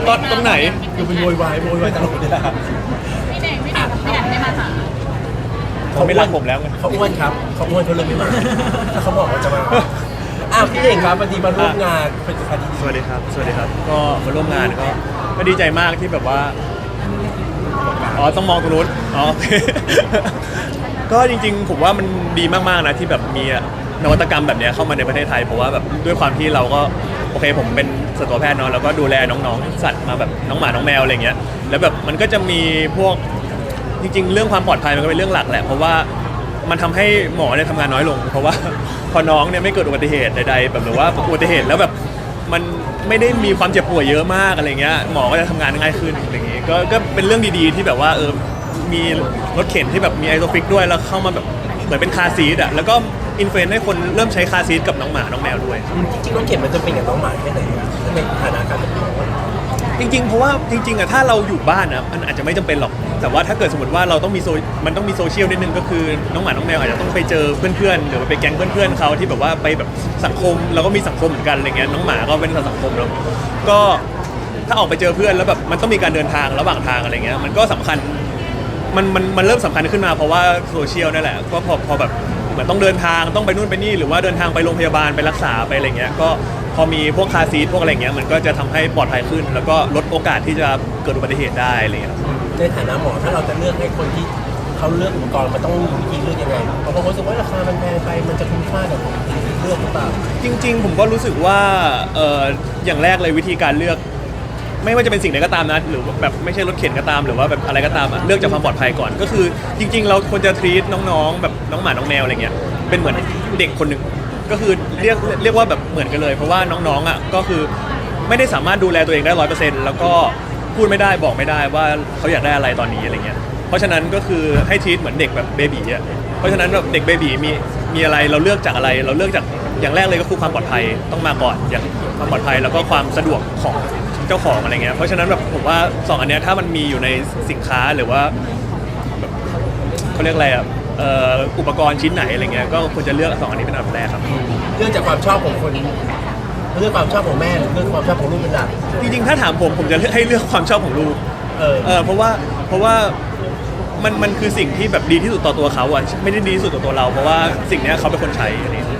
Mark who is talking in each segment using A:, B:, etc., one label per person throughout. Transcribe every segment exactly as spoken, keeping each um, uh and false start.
A: ตอนตรงไหน
B: คือเป็นโวยวายโวยวายตลอดเวลา
C: พี่เน่งพี่เน่งพี่เน่งไม่มาหา
A: เขาไม่รักผมแล้วไง
B: เขาอ้วนครับเขาอ้วนเขาเลยไม่มาถ้าเขาบอกว่าจะมาอ้าวพี่เองครับวันนี้มาร่วมงานเป็นคดี
A: สวัสดีครับสวัสดีครับก็มาร่วมงานก็ก็ดีใจมากที่แบบว่าอ๋อต้องมองตรงนู้นอ๋อ โอเคก็จริงๆผมว่ามันดีมากๆนะที่แบบมีนวัตกรรมแบบนี้เข้ามาในประเทศไทยเพราะว่าแบบด้วยความที่เราก็โอเคผมเป็นสัตวแพทย์เนาะแล้วก็ดูแลน้องๆสัตว์มาแบบน้องหมาน้องแมวอะไรเงี้ยแล้วแบบมันก็จะมีพวกจริงๆเรื่องความปลอดภัยมันก็เป็นเรื่องหลักแหละเพราะว่ามันทำให้หมอเนี่ยทำงานน้อยลงเพราะว่าพอน้องเนี่ยไม่เกิดอุบัติเหตุใดๆแบบหรือว่าอุบัติเหตุแล้วแบบมันไม่ได้มีความเจ็บป่วยเยอะมากอะไรเงี้ยหมอก็จะทำงานง่ายขึ้นอะไรอย่างงี้ก็ก็เป็นเรื่องดีๆที่แบบว่าเออมีรถเข็นที่แบบมีไอโซฟิกด้วยแล้วเข้ามาแบบเหมือนเป็นคาร์ซีทอ่ะแล้วก็อินฟลูเอนซ์ให้คนเริ่มใช้คาร์ซีทกับน้องหมาน้องแมวด้วย
B: จริงๆรถเข็นมันจะเป็นกับน้องหมาแค่ไหนในฐานะการเป็นหมอ
A: จริงๆเพราะว่าจริงๆอะถ้าเราอยู่บ้านนะมันอาจจะไม่จำเป็นหรอกแต่ว่าถ้าเกิดสมมติว่าเราต้องมีโซมันต้องมีโซเชียลนิดนึงก็คือน้องหมาน้องแมวอาจจะต้องไปเจอเพื่อนๆหรือไปแก๊งเพื่อนๆเขาที่แบบว่าไปแบบสังคมเราก็มีสังคมเหมือนกันอะไรเงี้ยน้องหมาก็เป็นสังคมแล้วก็ถ้าออกไปเจอเพื่อนแล้วแบบมันต้องมีการเดินทางระหว่างทางอะไรเงี้ยมันก็สำคัญมันมันมันเริ่มสำคัญขึ้นมาเพราะว่าโซเชียลนั่นแหละก็พอพอแบบเหมือนต้องเดินทางต้องไปนู่นไปนี่หรือว่าเดินทางไปโรงพยาบาลไปรักษาไปอะไรเงี้ยก็พอมีพวกคาร์ซีทพวกอะไรเงี้ยมันก็จะทำให้ปลอดภัยขึ้นแล้วก็ลดโอกาสที่จะเกิดอุบัติเหตุได้อะไรเงี้ย
B: ในฐานะหมอถ้าเราจะเลือกให้คนที่เขาเลือกอุปกรณ์มันต้องมีวิธีเลือกยังไงเพราะบางคนรู้สึกว่าราคามันแพงไปมันจะคุ้มค่ากับเลือกหรือเปล่า
A: จริงๆผมก็รู้สึกว่าเอออย่างแรกเลยวิธีการเลือกไม่ว่าจะเป็นสิ่งใดก็ตามนะหรือแบบไม่ใช่รถเข็นก็ตามหรือว่าแบบอะไรก็ตามเลือกจากความปลอดภัยก่อนก็คือจริงๆเราควรจะ treat น้องๆแบบน้องหมาน้องแมวอะไรเงี้ยเป็นเหมือนเด็กคนหนึ่งก็คือเรียกเรียกว่าแบบเหมือนกันเลยเพราะว่าน้องๆอ่ะก็คือไม่ได้สามารถดูแลตัวเองได้ร้อยเปอร์เซ็นต์แล้วก็พูดไม่ได้บอกไม่ได้ว่าเขาอยากได้อะไรตอนนี้อะไรเงี้ยเพราะฉะนั้นก็คือให้ treat เหมือนเด็กแบบเบบีอ่ะเพราะฉะนั้นแบบเด็กเบบีมีมีอะไรเราเลือกจากอะไรเราเลือกจากอย่างแรกเลยก็คือความปลอดภัยต้องมาก่อนอย่างความปลอดภัยแล้วก็ความสะดวกของเจ้าของอะไรเงี้ยเพราะฉะนั้นแบบผมว่าสองอันเนี้ยถ้ามันมีอยู่ในสินค้าหรือว่าแบบเขาเรียกอะไรอ่ะอุปกรณ์ชิ้นไหนอะไรเงี้ยก็ควรจะเลือกสองอันนี้เป็นอันดับแรกครับ
B: เรื่องจากความชอบของคนเรื่องความชอบของแม่หรือเรื่องความชอบของลูกเป็นหลัก
A: จริงๆถ้าถามผมผมจะให้เลือกความชอบของลูกเออเออเพราะว่าเพราะว่ามันมันคือสิ่งที่แบบดีที่สุดต่อตัวเขาอ่ะไม่ได้ดีที่สุดต่อตัวเราเพราะว่าสิ่งนี้เขาเป็นคนใช้อะไรอย่างเงี้ย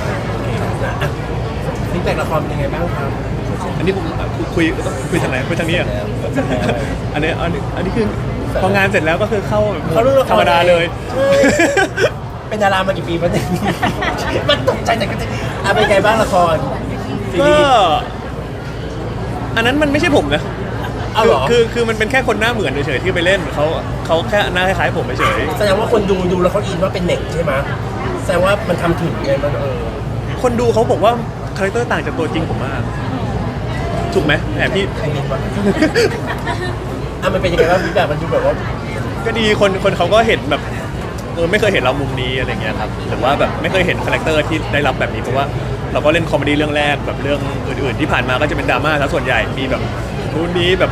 B: ฟีดแบ็กละครเป็นยังไงบ้างครับ
A: อันนี้ผมคุยคุยทางไหนคุยทางนี้อ่ะอันนี้อันนี้อันนี้คือพองานเสร็จแล้วก็คือเข้าธรรมดาเลย
B: เป็นดารามากี่ปีแล้วเนี่ยมันตกใจแต่ก็จะอ่ะเป็นไงบ้างละคร
A: ก็อันนั้นมันไม่ใช่ผมนะคือคือคือมันเป็นแค่คนหน้าเหมือนเฉยๆที่ไปเล่นเขาเขาแค่หน้าคล้ายๆผมเฉย
B: แสดงว่าคนดูดูแล้วเขาอินว่าเป็นเด็กใช่ไหมแสดงว่ามันทำถึงไงมันเออ
A: คนดูเขาบอกว่าคาแรคเตอร์ต่างจากตัวจริงผมมากถูกไหมแอบพี่
B: ใครมีวะอ่ะมันเป็นยังไงบ้างฟีดแบ็กมันดูแบบว่า
A: ก็ดีคนคนเขาก็เห็นแบบเออไม่เคยเห็นเรามุมนี้อะไรเงี้ยครับหรือว่าแบบไม่เคยเห็นคาแรคเตอร์ที่ได้รับแบบนี้เพราะว่าเราก็เล่นคอมเมดี้เรื่องแรกแบบเรื่องอื่นๆที่ผ่านมาก็จะเป็นดราม่าซะส่วนใหญ่มีแบบนู้นนี้แบบ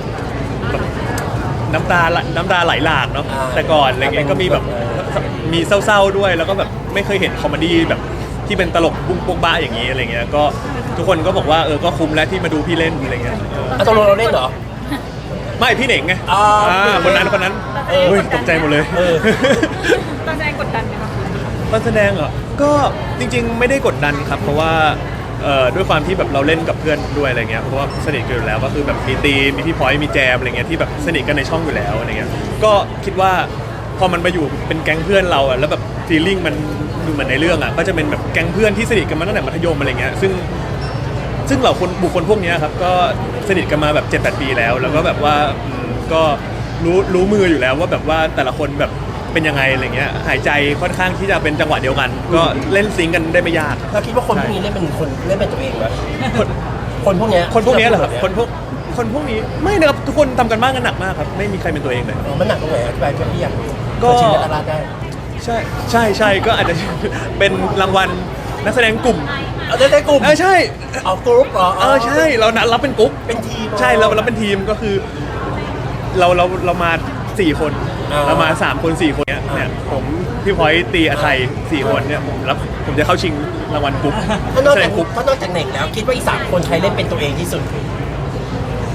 A: น้ำตาน้ำตาไหลหลากเนาะแต่ก่อนอะไรเงี้ยก็มีแบบมีเศร้าๆด้วยแล้วก็แบบไม่เคยเห็นคอมเมดี้แบบที่เป็นตลกบุ้งโป๊กบ้าอย่างนี้อะไรเงี้ยก็ทุกคนก็บอกว่าเออก็คุ้มแล้วที่มาดูพี่เล่นอะไรเงี้ย
B: อ่ะตกลงเราเล่นเหรอ
A: ไม่พี่เหน่งไง
B: อ่า
A: คนนั้นคนนั้นเฮ้ยตกใจหมดเลย
C: ตอนแสดงกดดันไหมคะ
A: ตอนแสดงเหรอก็จริงๆไม่ได้กดดันครับเพราะว่าด้วยความที่แบบเราเล่นกับเพื่อนด้วยอะไรเงี้ยเพราะว่าสนิทกันอยู่แล้วก็คือแบบมีตีมีพี่พอยต์มีแจมอะไรเงี้ยที่แบบสนิทกันในช่องอยู่แล้วอะไรเงี้ยก็คิดว่าพอมันมาอยู่เป็นแก๊งเพื่อนเราอ่ะแล้วแบบฟีลลิ่งมันเหมือนในเรื่องอ่ะก็จะเป็นแบบแก๊งเพื่อนที่สนิทกันมาตั้งแต่มัธยมอะไรเงี้ยซึ่งซึ่งเหล่าคนบุคคลพวกนี้ครับก็สนิทกันมาแบบ เจ็ดแปด ปีแล้วแล้วก็แบบว่าก็รู้รู้มืออยู่แล้วว่าแบบว่าแต่ละคนแบบเป็นยังไงอะไรเงี้ยหายใจค่อนข้างที่จะเป็นจังหวะเดียวกันก็เล่นซิงกันได้ไม่ยาก
B: เราคิดว่าคนพวกนี้เล่นเป็นคนเล่นเป็นตัวเองไหมคนคนพวกนี้
A: คนพวกนี้เหรอครับคนพวกคนพวกนี้ไม่นะครับทุกคนทำกันบ้านกันหนักมากครับไม่มีใครเป็นตัวเองเลย
B: อ๋อมันหนักตรงไหนอธิบายพี่อยาก
A: ก็
B: ชิงดาราได้
A: ใช่ใช่ใช่ก็อาจจะเป็นรางวัลนักแสดงกลุ่ม
B: เอาได้กลุ่ม
A: เออใช่
B: เอากรุ๊ปเหรอ
A: เออใช่เรานัดรับเป็นกรุ๊ป
B: เป็นทีม
A: ใช่เราเราเป็นทีมก็คือเราเราเรามาสี่คนเรามาสามคนสี่คนเนี้ยเนี่ยผมพี่พอยต์ตีอาไทยสี่คนเนี่ยผมรับผมจะเข้าชิงรางวัลกรุ๊ป
B: เพราะนอกจากกรุ๊ปเพราะนอกจากเน่งแล้วคิดว่าอีกสามคนใครเล่นเป็นตัวเองที่สุด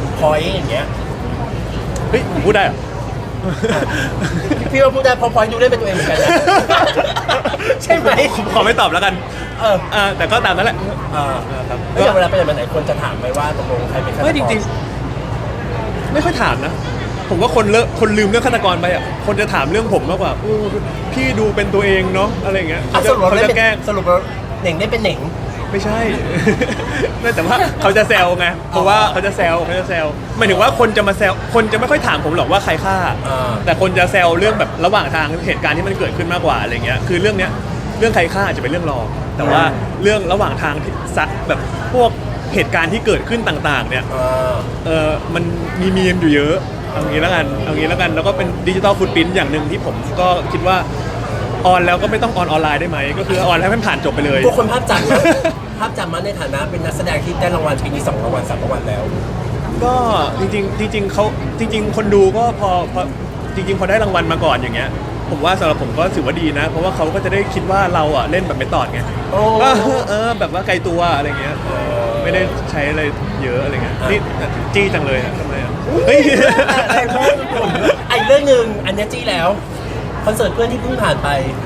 B: พอยอย่างเงี้ย
A: เฮ้ยผมพูดได้เหรอ
B: พี่ว่าพูดได้เพอพอยดูเล่นเป็นตัวเองเหมือนกันนะ ใช่ไหม
A: ขอไม่ตอบแล้วกัน
B: เออ
A: อ่าแต่ก็ตามนั้นแหละ
B: เออ
A: อ่าครับ
B: แล้วอย่างเวลาไปไหนมาไหนคนจะถามไหมว่าตกลงใครเป็นฆาตกร
A: ไม่จริงๆ ไม่ค่อยถามนะ ผมว่าคนเลอะคนลืมเรื่องฆาตกรไปอ่ะคนจะถามเรื่องผมมากกว่าอู้พี่ดูเป็นตัวเองเนาะอะไรอย่างเงี้ย
B: อ่ะ
A: เขา
B: ส
A: จะ
B: รุปเรา
A: เขา
B: เล่น
A: จะ
B: เป็น
A: แกล้ง
B: สรุปเราเหน่งได้เป็นเหน่ง
A: ไม่ใช่ ไม่แต่ว่าเขาจะแซวไงเพราะว่าเขาจะแซวเขาจะแซวหมายถึงว่าคนจะมาแซวคนจะไม่ค่อยถามผมหรอกว่าใครฆ่า
B: อ่า
A: แต่คนจะแซวเรื่องแบบระหว่างทางเหตุการณ์ที่มันเกิดขึ้นมากกว่าอะไรเงี้ยคือเรื่องเนี้ยเรื่องใครฆ่าอาจจะเป็นเรื่องรองแต่ว่าเรื่องระหว่างทางที่ซักแบบพวกเหตุการณ์ที่เกิดขึ้นต่างๆ เนี่ย
B: อ่า
A: เออมันมีมีมอยู่เยอะเอางี้แล้วกันเอางี้แล้วกันแล้วก็เป็นดิจิตอลฟุตพิ้นอย่างหนึ่งที่ผมก็คิดว่าออนแล้วก็ไม่ต้องออนออนไลน์ได้ไหมก็คือออนให้มันผ่านจบไปเลย
B: พวกคนภาพจำนะภาพจำมันในฐานะเป็นนักแสดงที่ได้รางวัลปีนี้สองรางวัลสามรางวัลแล้ว
A: ก็จริงๆจริงๆเขาจริง ๆ คนดูก็พอพอจริง ๆ พอได้รางวัลมาก่อนอย่างเงี้ยผมว่าสำหรับผมก็ถือว่าดีนะ เพราะว่าเขาก็จะได้คิดว่าเราอ่ะเล่นแบบไม่ตอดไง
B: โอ้
A: ก็เออแบบว่าไกลตัวอะไรเงี้ยเออไม่ได้ใช้อะไรเยอะอะไรเงี้ยนี่จี้จังเลยอะทำไมอ่ะเฮ้ย
B: แต่แม่ผมไอ้เรื่องหนึ่งอันเนี้ยจี้แล้วคอนเสิร์ตเพื่อนที่เพิ่งผ่านไป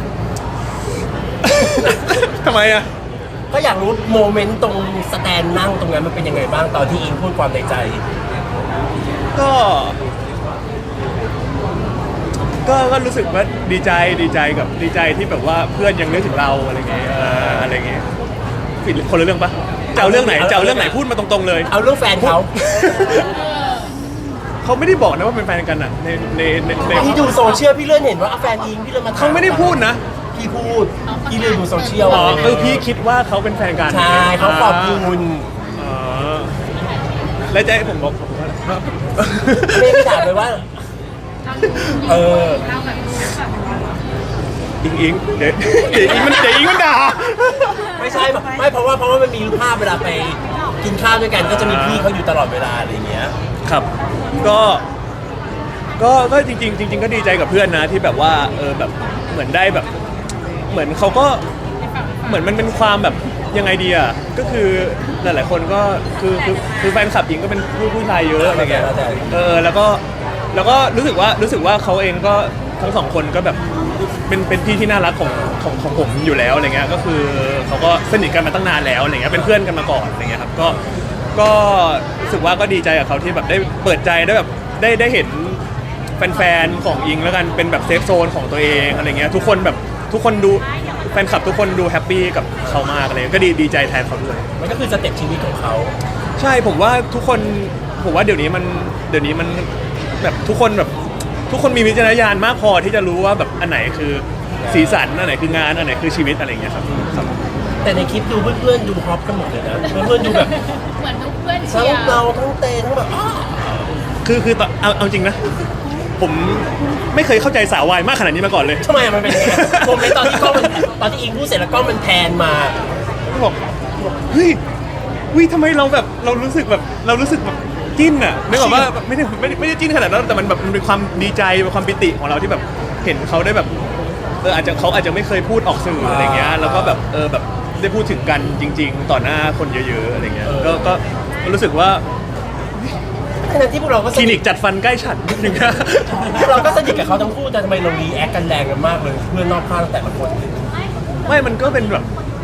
A: ทำไมอ่ะ
B: ก็อยากรู้โมเมนต์ตรงสแตนนั่งตรงนั้นมันเป็นยังไงบ้างตอนที่อิงพูดความในใจ
A: ก็ ก็ก็รู้สึกว่าดีใจดีใจกับดีใจที่แบบว่าเพื่อนยังนึกถึงเราอะไรเงี้ยเอออะไรเงี้ยผิดคนละเรื่องปะจะเอาเรื่องไหนจะเอาเรื่องไหนพูดมาตรงๆเลย
B: เอาเรื่องแฟนเขา
A: เขาไม่ได้บอกนะว่าเป็นแฟนกันอ่ะในในในใน
B: พี่ดูโซเชียลพี่เลื่อนเห็นว่าแฟนอิงพี่เลื่อนมาถ
A: เขาไม่ได้พูดนะ
B: พี่พูดพี่เลื่อนดูโซเชียล
A: อ๋อเออพี่คิดว่าเขาเป็นแฟนกัน
B: ใช่เขาขอบคุณ
A: อ๋อแล้วจะให้ผมบอกผมว่าอะไร
B: ไม่ได้ถามเลยว่า เออ
C: เราแบบแบบ
A: อิงอิงเดี๋ยวเดี๋ยวอิงมันเดี๋ยวอิงมันด่า
B: ไม่ใช่ไม่เพราะว่าเพราะว่ามันมีภาพเวลาไปกินข้าวด้วยกันก็จะมีพี่เขาอยู่ตลอดเวลาอะไรอย่างเงี้ย
A: ครับ ก็ ก็ก็จริงๆจริง ๆ ก็ดีใจกับเพื่อนนะที่แบบว่าเออแบบเหมือนได้แบบ เหมือนเขาก็เหมือนมันเป็นความแบบยังไงดีอ่ะก็คือหลายๆคนก็คือคือคือแฟนคลับหญิงก็เป็นผู้ผู้ชายเยอะอะไรเงี้ย
B: เข้าใจ
A: เออแล้วก็แล้วก็รู้สึกว่ารู้สึกว่าเขาเองก็ทั้งสองคนก็แบบเป็นเป็นพี่ที่น่ารักของของของผมอยู่แล้วอะไรเงี้ยก็คือเขาก็สนิทกันมาตั้งนานแล้วอะไรเงี้ยเป็นเพื่อนกันมาก่อนอะไรเงี้ยครับก็ก็รู้สึกว่าก็ดีใจกับเขาที่แบบได้เปิดใจได้แบบได้ได้เห็นแฟนๆของอิงแล้วกันเป็นแบบเซฟโซนของตัวเองอะไรเงี้ยทุกคนแบบทุกคนดูแฟนคลับทุกคนดูแฮปปี้กับเขามากอะไรเงี้ยก็ดีดีใจแทนเขาด้วย
B: มันก็คือสเต็ปชีวิตของเขา
A: ใช่ผมว่าทุกคนผมว่าเดี๋ยวนี้มันเดี๋ยวนี้มันแบบทุกคนแบบทุกคนมีวิจารณญาณมากพอที่จะรู้ว่าแบบอันไหนคือสีสันอันไหนคืองานอันไหนคือชีวิตอะไรอย่างเงี้ยครับครับ
B: แต่ในคลิปดูเพื่อนๆดูฮอปกันหมดเลยนะเพื่อนๆดูแบบ
C: เหมือนทุกเพื่อน
B: ทั้
C: เชี
B: ง
C: ยร์
B: เราทั้งเตทั้งแบบอ้า
A: คือคือตอนเอาเอาจริงนะผมไม่เคยเข้าใจสาววายมากขนาดนี้มาก่อนเลย
B: ทำไมอะมันเป็นยังไงโมเมนต์ตอนที่กล้องมันตอนที่อิงพูดเสร็จแล้วกล้องมันแพนมา
A: บอกบอกเฮ้ยวิทำไมเราแบบเรารู้สึกแบบเรารู้สึกแบบจิ้นอะนึกออกว่าไม่ได้ไม่ได้ไม่ได้จิ้นขนาดนั้นแต่มันแบบมันเป็นความดีใจเป็นความปิติของเราที่แบบเห็นเขาได้แบบเอออาจจะเขาอาจจะไม่เคยพูดออกสื่ออะไรเงี้ยแล้วก็แบบเออแบบได้พูดถึงกันจริง ๆ ต่อหน้าคนเยอะๆอะไรเงี้ยก็ก็รู้สึกว่า
B: ทั้งที่พวกเราก็
A: ค
B: ส
A: ลิ
B: นิ
A: นิ
B: ท
A: กจัดฟันใกล้ฉันนิดนึงนะ
B: พวกเราก็สนิทกับเขาทั้งคู่แต่ทำไมเรารีแอคกันแรงกันมากเลยเพื่อนรอบข้างแต่ละคน
A: ไม่มันก็เป็นแบบ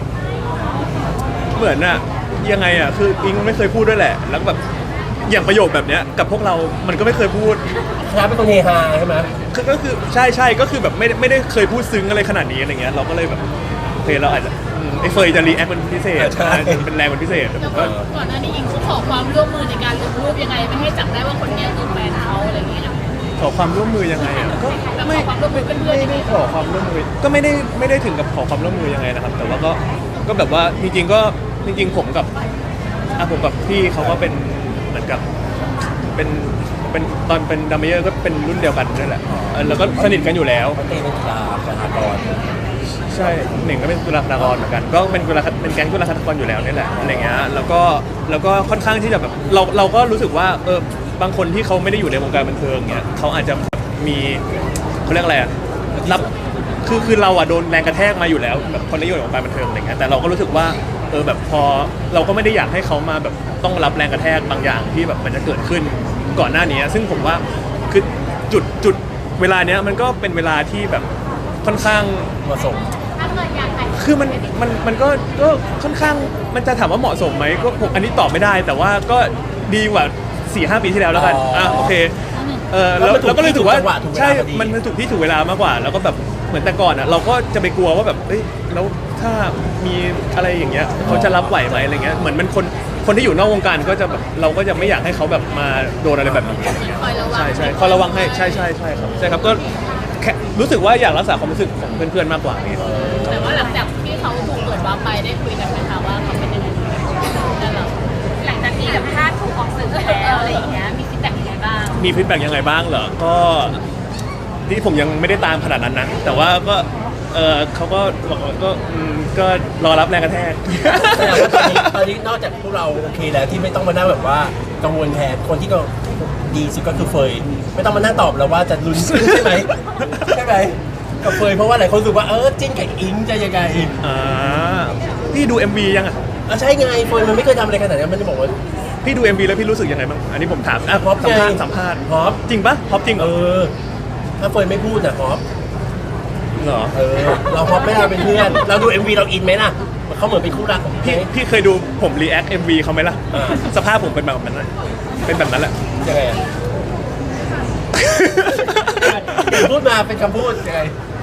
A: เหมือนอะยังไงอะคืออิงไม่เคยพูดด้วยแหละ แล้วก็แบบอย่างประโยคแบบเนี้ยกับพวกเรามันก็ไม่เคยพูด
B: น้าเป็นคนเฮฮาใช่ไหม
A: คือก็คือใช่ใช่ก็คือแบบไม่ได้ไม่ได้เคยพูดซึ้งอะไรขนาดนี้อะไรเงี้ยเราก็เลยแบบโอเคเราอาจจะอืมไอ้เฟยจะรีแอคเป็นพิเศษเป็นแรงเป็นพิเศษแต่ผมก็
C: ก่อนหน้านี้อิงเขาขอความร่วมมือในการลงรูปยังไงไม่ให้จับได้ว่าคนเนี้ยคือแฟนเขาอะไรอย่างเงี้ย
A: ขอความร่วมมือยังไงอะก็
C: แบบ
A: ไม่
C: ขอความร่วมมือเพื่อนๆ
A: ไม่
C: ยังไง
A: ได้ขอความร่วมมือก็ไม่ได้ไม่ได้ถึงกับขอความร่วมมือยังไงนะครับ แต่ว่าก็ก็แบบว่าจริงๆก็จริงๆผมกับอ่ะผมกับพี่เขาก็เป็นเหมือนกับเป็นเป็นตอนเป็นดัมเมเยอร์ก็เป็นรุ่นเดียวกันนั่นแหละเออแล้วก็สนิทกันอยู่แล้ว
B: เขาเต้เป็นกีฬาสหกรณ์
A: ใช่หนึ่งก็เป็นกุลาคารากรเหมือนกันก็เป็นกุลาเป็นแก๊งกุลาคารากรอยู่แล้วนี่แหละอะไรเงี้ยแล้วก็แล้วก็ค่อนข้างที่จะแบบเราเราก็รู้สึกว่าเออบางคนที่เขาไม่ได้อยู่ในวงการบันเทิงเงี้ยเขาอาจจะมีเขาเรียกอะไรอะรับคือคือเราอะโดนแรงกระแทกมาอยู่แล้วแบบคนที่อยู่ในวงการบันเทิงอะไรเงี้ยแต่เราก็รู้สึกว่าเออแบบพอเราก็ไม่ได้อยากให้เขามาแบบต้องรับแรงกระแทกบางอย่างที่แบบมันจะเกิดขึ้นก่อนหน้านี้ซึ่งผมว่าคือจุดจุดเวลาเนี้ยมันก็เป็นเวลาที่แบบค่อนข้าง
B: เหมาะสม
C: ถ้าเกิดอยากแต่ง
A: คือมันมันมันก็ก็ค่อนข้างมันจะถามว่าเหมาะสมไหมก็ผมอันนี้ตอบไม่ได้ แต่ว่าก็ดีกว่าสี่ห้าปีที่แล้วแล้วกันอ่ะโอเคเออแล้วแล้วก็เลยถือว่าใช่มันมันถูกที่ถูกเวลามากกว่า แล้วก็แบบเหมือนแต่ก่อนอ่ะเราก็จะไปกลัวว่าแบบเอ้ยแล้วถ้ามีอะไรอย่างเงี้ยเขาจะรับไหวไหมอะไรเงี้ยเหมือนมันคนคนที่อยู่นอกวงการก็จะแบบเราก็จะไม่อยากให้เขาแบบมาโดนอะไรแบบนี้
C: คอยระวัง
A: ใช่ใช่คอยระวังให้ใช่ใช่ใช่ครับใช่ครับก็แค่รู้สึกว่าอยากรักษาความรู้สึกของเพื่อนๆมากกว่านี้
C: แต่ว่าหลังจากที่เขาถูกเปิดวาร์ปไปได้คุยกันไหมคะว่าเขาเป็นยังไงนั่นแหละหลังจากที่แบบพลาดถูกออกสื่อแล้วอะไรอย่างเงี้ยมีฟีดแบ็กยังไงบ้าง
A: มีฟีดแบ็กยังไงบ้างเหรอ ก็ที่ผมยังไม่ได้ตามขนาดนั้นนะ แต่ว่าก็เออเขาก็บอกว่าก็อืมก็รอรับแรงกระแทก
B: แต่ว่าตอนนี้ตอนนี้นอกจากพวกเราโอเคแล้วที่ไม่ต้องมานั่งแบบว่ากังวลแทนคนที่ก็ดีสุดก็คือเฟยไม่ต้องมานั่งตอบแล้วว่าจะลุ้นขึ้นใช่ไหมใช่ไหมกับเฟยเพราะว่าหลายคนรู้สึกว่าเออจิ้นกับอิงจะยังไง
A: อ่าพี่ดู เอ็ม วี ยังอ่ะ
B: อ่ะใช่ไงเฟยมันไม่เคยทำอะไรขนาดนั้นมันจะบอกว่า
A: พี่ดู เอ็ม วี แล้วพี่รู้สึกยังไงบ้าง อันนี้ผมถามอ่ะ
B: ฮอป
A: สัมภาษ
B: ไง
A: ณ์สัมภาษณ์
B: ฮอป
A: จริงปะฮอปจริงเหร
B: เอ
A: อ
B: อถ้าเฟยไม่พูดนะฮอป
A: เหรอ
B: เออเราฮอปไม่เราเป็นเพื่อนเราดู เอ็ม วี เราอินไหมล่ะเขาเหมือนเป็นคู่รักของ
A: พี่
B: พี่
A: พี่เคยดูผมรีแอค เอ็ม วี เขาไหมล่ะ
B: อ่า
A: สภาพผมเป็นแบบนั้นนะเป็นแบบนั้นแหละ
B: ยังไงอ่ะเดี๋ยวพูดมาเป็นคำพูดยังไง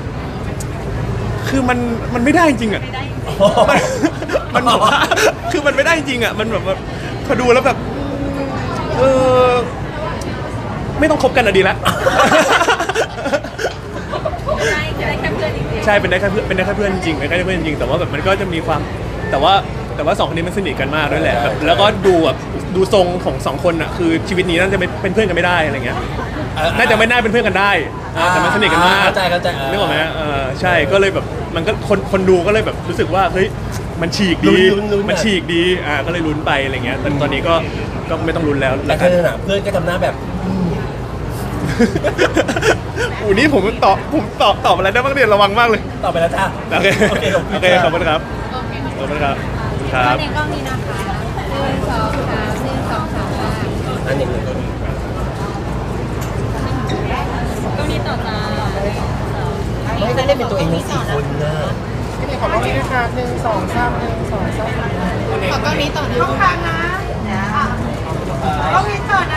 A: คือมันมันไม่ได้จริงอ่ะ มันมันแบบว่าคือมันไม่ได้จริงอ่ะ มันแบบว่าพอดูแล้วแบบ เออ ไม่ต้องคบกันอะดีละ
C: ใช่จะได้แค่เพื่อนจริง
A: ใช่เป็นได้แค่เพื่อนเป็นได้แค่เพื่อนจริงเป็นได้แค่เพื่อนจริงแต่ว่าแบบมันก็จะมีความแต่ว่าแต่ว่าสองคนนี้มันสนิทกันมากด้วยแหละแบบแล้วก็ดูแบบดูทรงของสองคนอ่ะคือชีวิตนี้น่าจะไม่เป็นเพื่อนกันไม่ได้อะไรเงี้ยน่าจะไม่น่าเป็นเพื่อนกันได้อ่าแต่มันสนิทกันมาก
B: เข้าใจเข้าใจ
A: นึกออกไหมเออใช่ก็เลยแบบมันก็คนคนดูก็เลยแบบรู้สึกว่าเฮ้ยมันฉีกดี
B: ลุ้นลุ้นลุ้น
A: มันฉีกดีอ่าก็เลยลุ้นไปอะไรเงี้ยแต่ตอนนี้ก็ก็ไม่ต้องลุ้นแล้ว
B: แต่
A: แล้ว
B: เธ
A: กัน
B: อน่ะเพื่อนก็ทำหน้าแบบ
A: อูนี่ผมตอบผมตอบตอบอะไรได้บ้างเนี่ยระวังมากเลย
B: ต่อไปแล้วจ้า
A: โอเค
B: โอเค
A: โอเคขอบคุณครับ
C: ๆโอเค
A: ขอบคุณครับครับ
C: ในกล้องนี้นะคะหนึ่งสองสามหนึ่งสองสามห้า
B: อันหนึ่งหนึ่งก็มี
C: กล้องนี้ต่อจ้า
B: ไม่ได้เล่นเป็นตัวเองทั้งสี่คนนะ
D: ขอกล้องนี้นะคะหนึ่งสองสามหนึ่งสองสาม
C: ขอกล้องนี้ต่อนะ
D: ต้องการนะกล้องนี้ก่อน